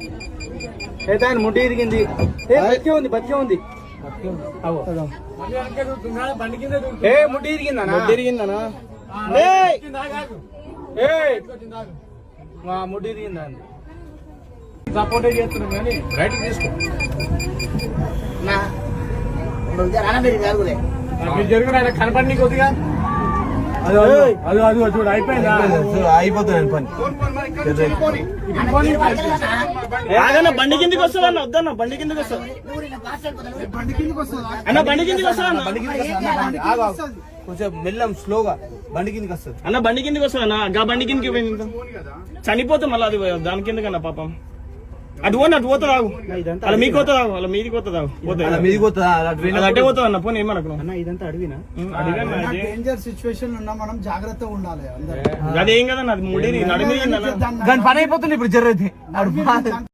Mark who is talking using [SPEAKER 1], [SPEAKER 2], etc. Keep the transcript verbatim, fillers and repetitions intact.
[SPEAKER 1] అయితే ఆయన ముడ్డి ఇరిగింది. బతికే ఉంది బతికే ఉంది. ఏ ముడ్డి ఇరిగిందనా? ముడ్డి ఇరిగిందనా? ముడ్డి ఇరిగిందా? సపోర్టే చేస్తున్నాం కానీ రైటింగ్ తీసుకో. జరిగిన ఆయన కనపడి కొద్దిగా అది అది అది చూడు అయిపోయిందా? అయిపోతుంది పని. బండి కిందికి వస్తుంది అన్న. వద్దన్న బండి కిందికి వస్తుంది అన్న. బండి కిందికి వస్తుంది అన్న. బండి కిందికి కొంచెం మెల్లం స్లోగా బండి కిందికి వస్తుంది అన్న. బండి కిందికి వస్తుంది అన్న. గా బండి కిందికి పోయింది చనిపోతే మళ్ళీ అది దాని కిందకన్నా పాపం. అటు పోనీ అటు పోతుంది ఆగు. అలా మీకు పోతుంది ఆగు. అలా మీదికి పోతుంది ఆగు. పోతుంది మీదికి పోతుంది అట్టే పోతుంది అన్న. పోనీ ఏమనుకున్నావు అన్న? ఇదంతా అడిగినా డేంజర్ సిచ్యువేషన్ ఉన్నా మనం జాగ్రత్తగా ఉండాలి. అదేం కదన్న అది ముడి నడిమి దాని పని అయిపోతుంది ఇప్పుడు జర్రైతే.